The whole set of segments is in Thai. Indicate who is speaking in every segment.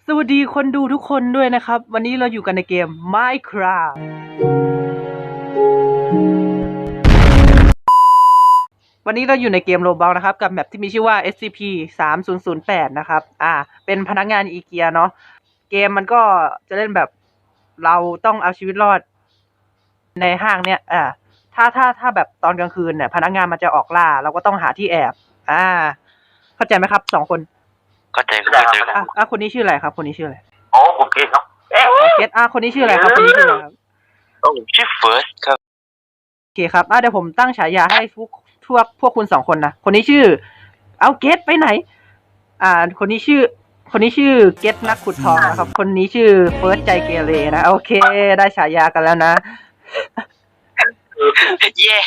Speaker 1: สวัสดีคนดูทุกคนด้วยนะครับวันนี้เราอยู่กันในเกม Minecraft วันนี้เราอยู่ในเกม Roblox นะครับกับแมปที่มีชื่อว่า SCP-3008 นะครับเป็นพนักงานอีเกียเนาะเกมมันก็จะเล่นแบบเราต้องเอาชีวิตรอดในห้างเนี่ยถ้าแบบตอนกลางคืนเนี่ยพนักงานมันจะออกล่าเราก็ต้องหาที่แอบเข้าใจไหมครับ2 คน
Speaker 2: เข้าใจ
Speaker 1: คนนี้ชื่ออะไรครับคนนี้ชื่ออะไร
Speaker 2: อ๋อผมเกตครับ
Speaker 1: เกตคนนี้ชื่ออะไรครับคนนี้ชื่ออะไรครับ
Speaker 2: ชื่อเฟิร์สครับ
Speaker 1: โอเคครับเดี๋ยวผมตั้งฉายาให้พวกคุณ2 คนนะคนนี้ชื่อเอาเกตไปไหนคนนี้ชื่อเกตนักขุดทองนะครับคนนี้ชื่อเฟิร์สใจเกเรนะโอเคได้ฉายากันแล้วนะ
Speaker 2: แย่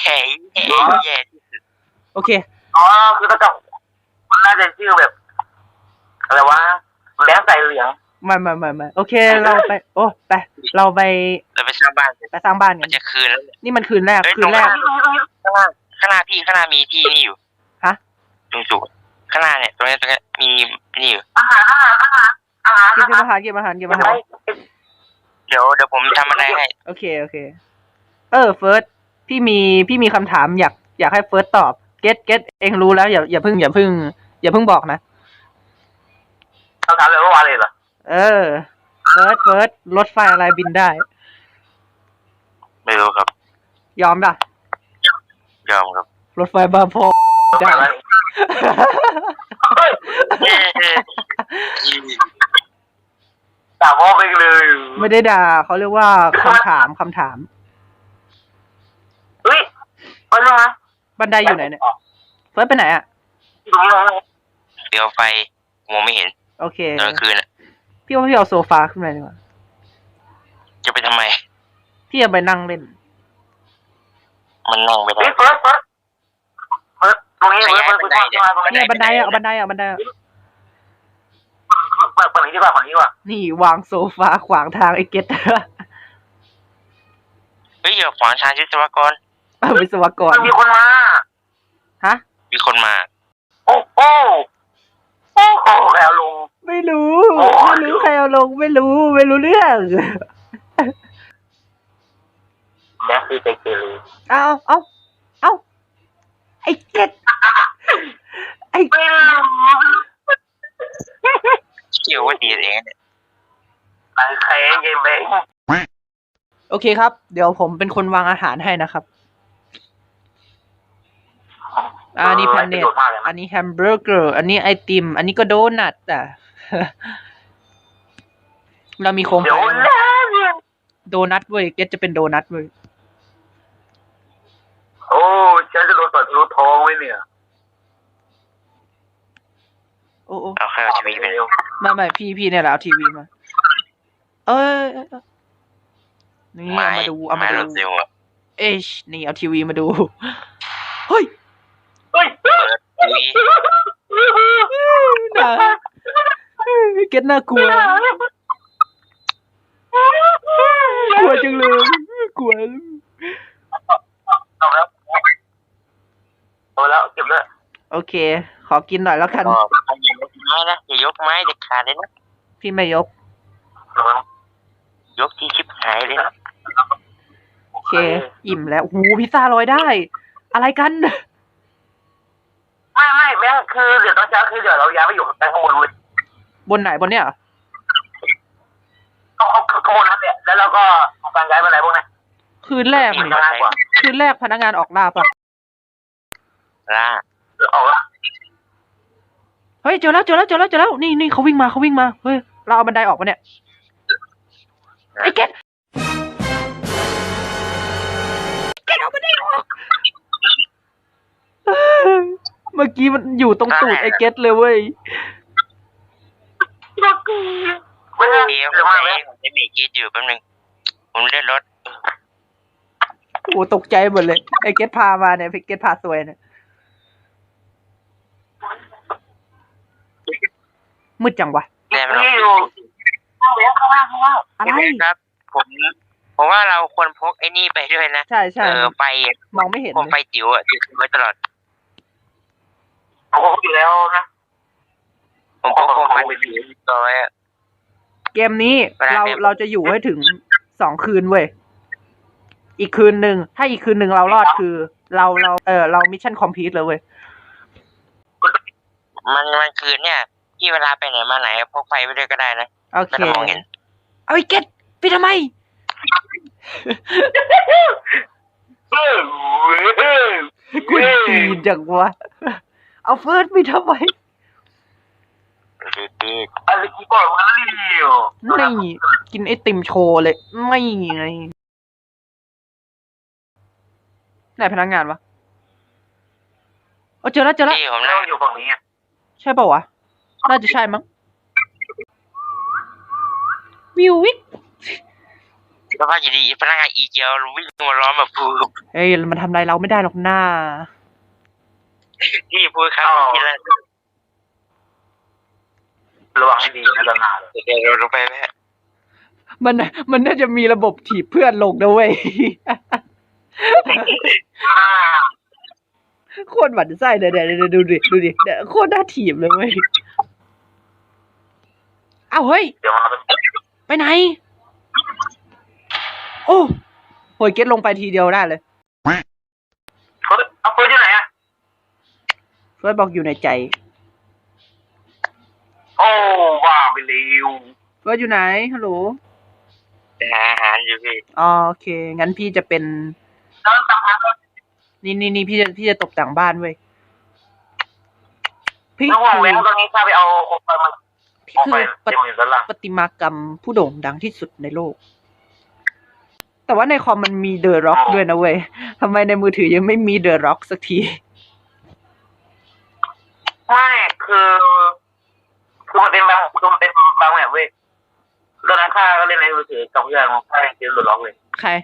Speaker 1: โอเค
Speaker 2: คือถ้ากับมันน่าจะชื่อแบบอะไรวะแบงค์ใส่เหลือง
Speaker 1: ไม่โอเคเราไปเราไป
Speaker 2: สร้างบ้าน
Speaker 1: ไปสร้างบ้านกัน
Speaker 2: จะคืนแล้ว
Speaker 1: นี่มันคืนแรก
Speaker 2: ข้างหน้ามีที่นี่อยู่
Speaker 1: ฮะ
Speaker 2: ตรงจุดข้างหน้าเนี่ยตรงนี้มีนี่อยู่
Speaker 1: เก็บอาหารเ
Speaker 2: ดี๋ยวผมทำอะไรให้
Speaker 1: โอเคเฟิร์สพี่มีคำถามอยากให้เฟิร์สตอบเก็ตเองรู้แล้วอย่าเพิ่งบอกนะ
Speaker 2: เขาถามเลยว่าอะไรเหรอ
Speaker 1: เฟิร์สรถไฟอะไรบินได้
Speaker 2: ไม่รู้ครับ
Speaker 1: ยอมป่ะ
Speaker 2: ยอมครับ
Speaker 1: รถไฟบาโพได้
Speaker 2: ด่าพ่อไปเลย
Speaker 1: ไม่ได้ด่าเขาเรียกว่าคำถาม
Speaker 2: เฮ้ย
Speaker 1: บันไดอยู่ไหนเนี่ยเฟิร์สไปไหน
Speaker 2: เดี๋ยวไฟมองไม่เห็น
Speaker 1: โอเค
Speaker 2: ตอนคืน
Speaker 1: พี่ว่าพี่เอาโซฟาขึ้นมาดีกว่า
Speaker 2: จะไปทำไม
Speaker 1: พี่จะไปนั่งเล่น
Speaker 2: มันนั่งไปได้ตรงนี้
Speaker 1: เนี่ยบันไดเอาบันไดเ
Speaker 2: ปิดนี้ดีกว่า
Speaker 1: นี่วางโซฟาขวางทางไอ้เก็ต
Speaker 2: เฮ้ยอย่าขวางทางวิศวกร
Speaker 1: วิศวกร
Speaker 2: มีคนมา
Speaker 1: ฮะ
Speaker 2: มีคนมาโอ้ใครเอาลง
Speaker 1: ไม่รู้ใครเอาลงไม่รู้เรื่อง
Speaker 2: แม่คือใจเกเร
Speaker 1: เอาไอ้เก็ต
Speaker 2: เกี่ยวว่าดีเองเนี่ยใครเย็นไป
Speaker 1: โอเคครับเดี๋ยวผมเป็นคนวางอาหารให้นะครับอันนี้แพนเนตอันนี้แฮมเบอร์เกอร์อันนี้ไอติมอันนี้ก็โดนัทเรามีโคมไฟโดนัทเว้ยเก็ตจะเป็นโดนัทเว้ย
Speaker 2: โอ้ฉันจะโดนตัดรูท้องไว้เนี่ย
Speaker 1: โอ้
Speaker 2: เอาใครเอาทีวีไป
Speaker 1: ไม่พี่เนี่ยแหละเอาทีวีมานี่เอามาดูนี่เอาทีวีมาดูเฮ้ยเก็ตน่ากลัวจังเลยกลัว
Speaker 2: แล้วเก็บเลย
Speaker 1: โอเคขอกินหน่อยแล้วกัน
Speaker 2: อย่ายกไม้นะอย่ายกไม้เด็ดขาดเลยนะ
Speaker 1: พี่ไม่ยก
Speaker 2: ที่ชิบหายเลยนะ
Speaker 1: โอเคอิ่มแล้วหูพิซซ่าลอยได้อะไรกัน
Speaker 2: ไม่แม่คือเดี๋ยวตอนเช้าคือเดี๋ยวเราย้ายไปอยู่ข้างบนเลย
Speaker 1: บนไหนบนเนี่ย
Speaker 2: เขาข้างบนนั่นแหละแล้วเราก็ทำการย้ายไปไหนพวกนั้น
Speaker 1: คืนแรกพนักงานออกล่าปะ
Speaker 2: ล่าออกล่า
Speaker 1: เฮ้ยเจอแล้วนี่เขาวิ่งมาเฮ้ยเราเอาบันไดออกมาเนี่ยไอ้เก็ตเอาบันไดออกเมื่อกี้มันอยู่ตรงตูดไอ้เก็ตเลยเว้ย
Speaker 2: เดี๋ยวผมจะมีกีดอยู่แป๊บนึงผมเล่นรถ
Speaker 1: โอ้ตกใจหมดเลยไอ้เก็ตพามาเนี่ยเก็ตพาสวยเนี่ยมืดจังวะ
Speaker 2: อะไรครับผมว่าเราควรพกไอ้นี่ไปด้วยนะ
Speaker 1: ใช่
Speaker 2: ไฟ
Speaker 1: มองไม่เห็น
Speaker 2: ไฟจิ๋วติดไว้ตลอดผมพกอยู่แล้วนะผมพกไฟจิ๋วตัวไว้
Speaker 1: เกมนี้เราจะอยู่ให้ถึง2 คืนเว้ย อีกคืนหนึ่งถ้าอีกคืนหนึ่งเรารอดคือ เรามิชชั่นคอมพลีทเลยเว้ย
Speaker 3: มันคืนเนี่ยที่เวลาไปไหนมาไหนพกไฟไปด้วยก็ได้นะ
Speaker 1: โอ
Speaker 3: ไม่
Speaker 1: เค
Speaker 3: ต้องมองเห็น
Speaker 1: เอาไอ้เก็ตไปทำไม กูตีนจังวะ เอาเฟิร์สไปทำไม
Speaker 2: อะไรกูบอกมาแล้ว
Speaker 1: ไม่กินไอติมโชว์เลย ไม่ไงไหนพนักงานวะเจอแล้ว
Speaker 3: ที่ผม
Speaker 2: เรา
Speaker 3: นั่ง
Speaker 2: อยู่ฝั่งนี้
Speaker 1: ใช่ป่าวะ น่าจะใช่มั้งวิววิก
Speaker 3: แล้วพออยู่ดีพนักงานอีเกียววิ่งมาล้อมแบบพู
Speaker 1: เฮ้ยมันทำอะไรเราไม่ได้หรอกหน้า
Speaker 3: ที่พูดครับที่แรก
Speaker 2: ระวังให้ดีนะตอนหน้าเลย
Speaker 3: เดี๋ยวเราลงไปไหม
Speaker 1: มันน่าจะมีระบบถีบเพื่อนลงนะเว้ย โคตรหวั่นไส้เดี๋ยวดูดิเนี่ยโคตรน่าถีบเลยเว้ย เอาเฮ้ย
Speaker 2: เดี๋ยวมา
Speaker 1: ไปไหน โอ้โหยเก็ตลงไปทีเดียวได้เลย
Speaker 2: เอาเฟิร์สอยู่ไหนอะ
Speaker 1: เฟิร์สบอกอยู่ในใจ
Speaker 2: โอ้บ้าไปเร็ว
Speaker 1: เฟิร์สอยู่ไหน ฮัลโหล
Speaker 3: หาอาหารอยู่พี่
Speaker 1: อ๋อโอเค งั้นพี่จะเป็น
Speaker 2: แล้วสักพัก
Speaker 1: นี่พี่จะตกแต่งบ้านเว้ย พี่
Speaker 2: ระหว่าง
Speaker 1: คือ
Speaker 2: แว้งตรงนี้ข้าไปเอาโคมไฟมา
Speaker 1: พี่
Speaker 2: โคม
Speaker 1: คื
Speaker 2: ไฟ
Speaker 1: อ
Speaker 2: เดี๋ยวมันอยู่ด้านล่าง
Speaker 1: ประติมากรรมผู้โด่งดังที่สุดในโลก แต่ว่าในคอมมันมีเดอะร็อกด้วยนะเว้ยทำไมในมือถือยังไม่มีเดอะร็อกสักที
Speaker 2: ไม่คือมันเป็นบางแบบเว้ยตอนนั้นข้าก็เล่นในมือถือกับเพื่อนข้าเจอหลุดล็อกเลย
Speaker 1: ใคร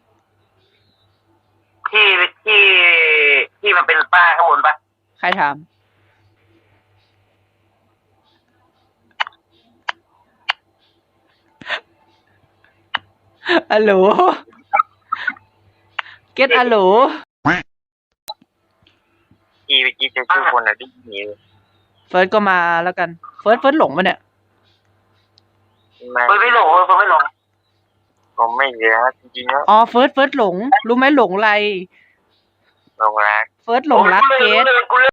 Speaker 2: ที่มันเป็นป้ายข้างบนปะ
Speaker 1: ใครถาม ฮัลโหล เก็ตฮัลโหล
Speaker 3: ที่เมื่อกี้เจอชื่อคนอ่ะที่หนี
Speaker 1: เฟิร์สก็มาแล้วกัน เฟิร์สหลงมาเนี่ย
Speaker 2: เฟิร์สไม่หลง
Speaker 3: ผมไม่เหลือจริงๆแล้ว
Speaker 1: อ๋อ เฟิร์สหลง รู้ไหมหลงอะไร
Speaker 3: ลงรัก
Speaker 1: เฟิร์สหลงรักเกต
Speaker 2: กูเล่น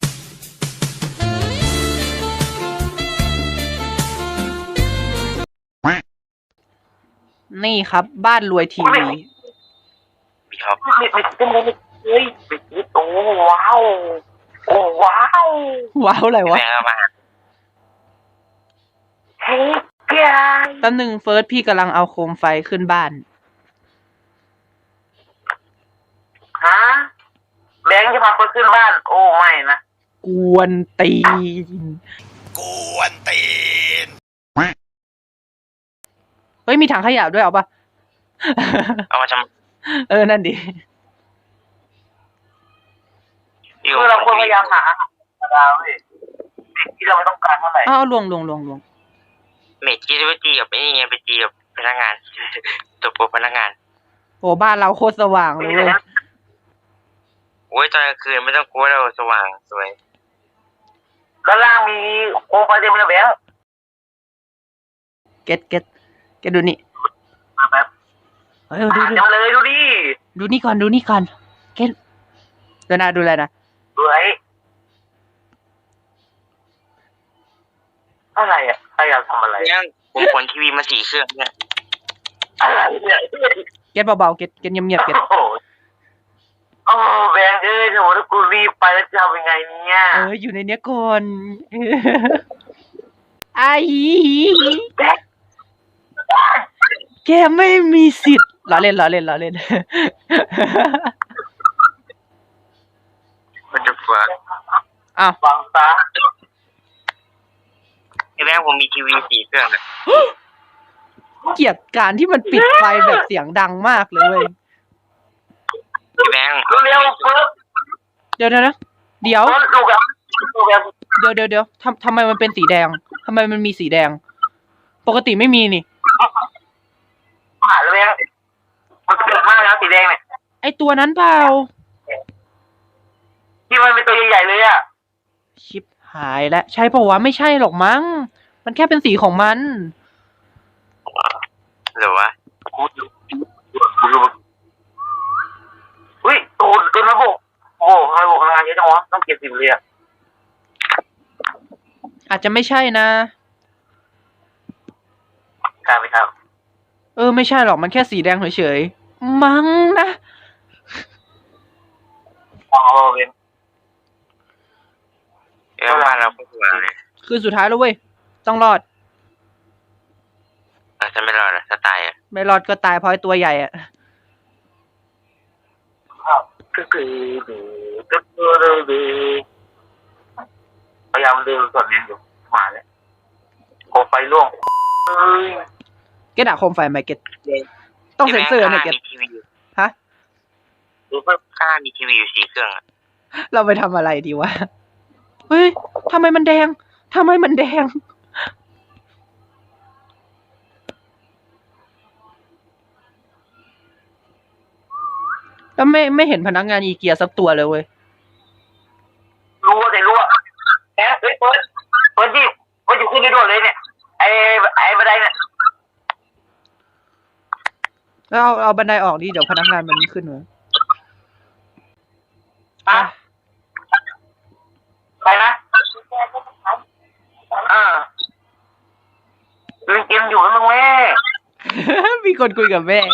Speaker 1: นี่ครับ บ้านรวยทีวี
Speaker 3: พี่ท็อป
Speaker 2: เฮ้ยโอ้ว้าวโอ้ว้าว
Speaker 1: ว้าวอะไรวะ
Speaker 3: แม่เข้ามา
Speaker 2: เฮ้ยแก
Speaker 1: แป๊บนึงเฟิร์สพี่กำลังเอาโคมไฟขึ้นบ้าน
Speaker 2: ฮะแบงค์จะพาคนขึ้นบ้าน โอ้ไม่นะ
Speaker 1: กวนตีน เฮ้ยมีถังขยะด้วยเอาปะ
Speaker 3: เอามาท
Speaker 1: นั่นดิ
Speaker 3: ำ
Speaker 2: คือเราควรพยายามหาดาวเว้ยสิ่งที่เราไม่ต้องการเท่าไหร่
Speaker 1: อ้าวลวง
Speaker 3: เมจที่ไปตีกับไอ้นี่ไงไปตีกับพนักงาน ตัวโปรพนักงาน
Speaker 1: โอ้บ้านเราโคตรสว่างเลยเว้ย
Speaker 3: โอ้ยตอนกลางคืนไม่ต้องกลัวเราสว่างสวย
Speaker 2: ด้านล่างมีโคมไฟเต็มเลยแบงค์
Speaker 1: เก็ตดูนี่
Speaker 2: มาแบบ
Speaker 1: เฮ้ยดู
Speaker 2: จังเลยดูดิ
Speaker 1: ดูนี่ก่อนเก็ตดูนะดูอะไรนะ
Speaker 2: ดูไอ้อะไรอ่ะใครอยากทำอะไร
Speaker 3: เนี่ยผมขนทีวีมา4 เครื่องเนี่ย
Speaker 2: อะไรเนี่ย
Speaker 1: เก็ตเบาๆเก็ตเงียบๆเก็ต
Speaker 2: โอ้โหโอ้แบงค์เอ้ยโหถ้ากูรีบไปแล้วจะทำยังไงเนี่ย
Speaker 1: อยู่ในเนี้ยก่อนไอ้
Speaker 2: แบงค์
Speaker 1: แกไม่มีสิทธิ์ล้อเล่น
Speaker 3: มันจะฝัง
Speaker 1: อ้าว
Speaker 2: ฟังซะ
Speaker 3: ไอ้แม่ผมมีทีวี4 เครื่องนะ
Speaker 1: เกลียดการที่มันปิดไฟแบบเสียงดังมากเลยเว้ย
Speaker 3: ไอ้แบงค์
Speaker 2: เร็วๆเฟิร์ส
Speaker 1: เดี๋ยว
Speaker 2: เฟิร์สลูกแบบ
Speaker 1: เดี๋ยวทำไมมันเป็นสีแดงทำไมมันมีสีแดง ปกติไม่มีนี่
Speaker 2: หาเลยแบงค์มันเกิดมากแล้วสีแดงเนี่ย
Speaker 1: ไอตัวนั้นเปล่า
Speaker 2: ที่มันเป็นตัวใหญ่ๆเลยอ่ะ
Speaker 1: ชิปหายแล้วใช่ปะวะไม่ใช่หรอกมั้ง มันแค่เป็นสีของมัน
Speaker 3: หรือวะ
Speaker 2: กูดูอุ้ยตูนมาบุกโอ้ทำไมบุกพลังงานเยอะจังวะต้องเก็บ10เลยอะ
Speaker 1: อาจจะไม่ใช่นะ
Speaker 2: ใช่ไม่ใช่
Speaker 1: ไม่ใช่หรอกมันแค่สีแดงเฉยๆมั้งนะ
Speaker 2: อ๋อเว้น
Speaker 3: แล้วบ้านเราก็ตัวเลย
Speaker 1: คือสุดท้ายแล้วเว้ยต้องรอด
Speaker 3: ถ้าไม่รอดถ้าตายอ่ะ
Speaker 1: ไม่รอดก็ตายเพราะไอ้ตัวใหญ่อะ
Speaker 2: พยายามดึงส่วนนี้อยู่มาแล้วโคมไฟร่วง
Speaker 1: เกตอะโคมไฟไหมเกตต้องเซ็นเซอร์เนี่ยเกต
Speaker 3: มีทีวีอยู่
Speaker 1: ฮะ
Speaker 3: รู้ป่ะข้างมีทีวีอยู่4 เครื่องอะ
Speaker 1: เราไปทำอะไรดีวะ เฮ้ยทำไมมันแดงทำไมมันแดง แล้วไม่เห็นพนักงานอีเกียสักตัวเลยเว้ย
Speaker 2: รู้ว่าแหมเฮ้ยเปิดดิเปิดอยู่ขึ้นได้ด้วยเลยเนี่ยไอ้บันไดเนี่ย
Speaker 1: แล้วเอาบันไดออกดิเดี๋ยวพนักงานมันขึ้นมา
Speaker 2: อะใครนะเล่นเกมอยู่แล้วมึงแม่
Speaker 1: มีคนคุยกับแม่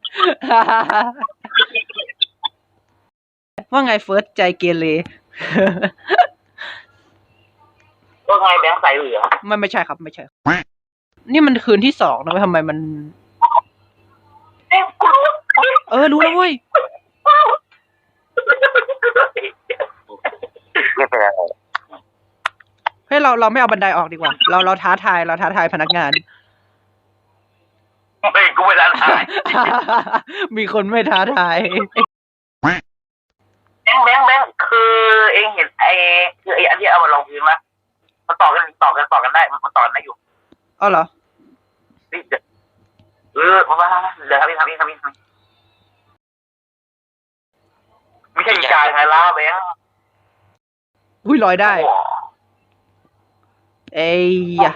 Speaker 1: ว่าไงเฟิร์สใจเกเร
Speaker 2: ก็ไงแบงค์ใส่เหลือ
Speaker 1: ไม่ใช่ครับไม่ใช่ นี่มันคืนที่2นะเว้ยทำไมมัน รู้แล้วเว้ย
Speaker 3: ไม่เป็นไร
Speaker 1: เฮ้ยเราไม่เอาบันไดออกดีกว่า เราท้าทายพนักงาน
Speaker 2: เฮ้ยกูไม่ได้ทาย
Speaker 1: มีคนไม่ท้าทาย
Speaker 2: แบงค์คือเองเห็นคือไอ้อันที่เอามาลงพื้นมั้ยมันต่อกันได้มันต่อกันได้อยู่
Speaker 1: อ๋อเหรอ
Speaker 2: นี่เดี๋ยวเดี๋ยวทำนี่ไม่ใช่จ่ายไงล่ะแบงค์
Speaker 1: อุ้ยลอยได้ เอ้ยอะ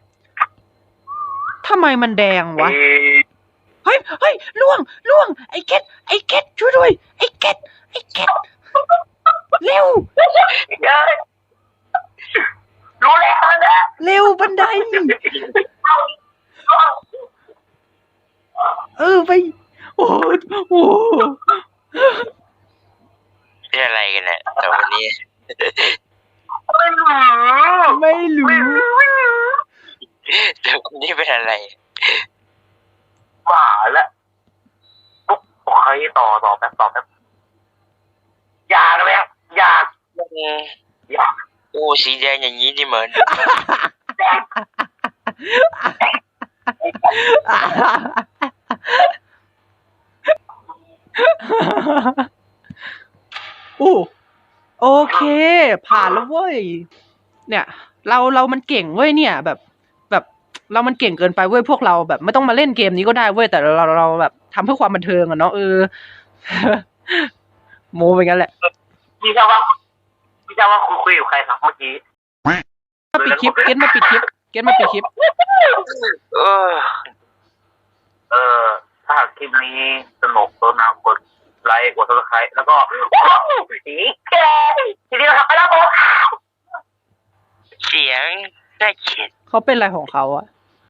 Speaker 1: ทำไมมันแดงวะ เฮ้ยล่วง ไอ้เก็ตช่วยด้วย ไอ้เก็ตเร็ว
Speaker 2: รู้แล้วนะ
Speaker 1: เร็วบันได ไป โอ้โห
Speaker 3: เป็นอะไรกันเนี่ยแต่วันนี้
Speaker 1: ไม่รู้
Speaker 3: แต่วันนี้เป็นอะไร
Speaker 2: มาแล้วปุ๊บโอเคต่อแป๊บอยากไหมอยาก
Speaker 3: โอ้สีแดงอย่างนี้นี่เหมือน
Speaker 1: โอเค ผ่านแล้วเว้ย เนี่ย เรามันเก่งเว้ยเนี่ยแบบเรามันเก่งเกินไปเว้ยพวกเราแบบไม่ต้องมาเล่นเกมนี้ก็ได้เว้ยแต่เราแบบทำเพื่อความบันเทิงอะเนาะ โมไปงั้นแหละ
Speaker 2: พี่เจ้าว่าคุยกับใครครับเมื่อกี้
Speaker 1: มาปิดคลิปเกตมาปิดคลิป
Speaker 2: ถ้าหากคลิปนี้สนุกตัวน้ำกดไลค์กดซับสไครต์แล้วก็สีแกทีนี้นะครับไปแล้วผม
Speaker 3: เสียงน่าเกลียด
Speaker 1: เขาเป็นอะไรของเขาอะ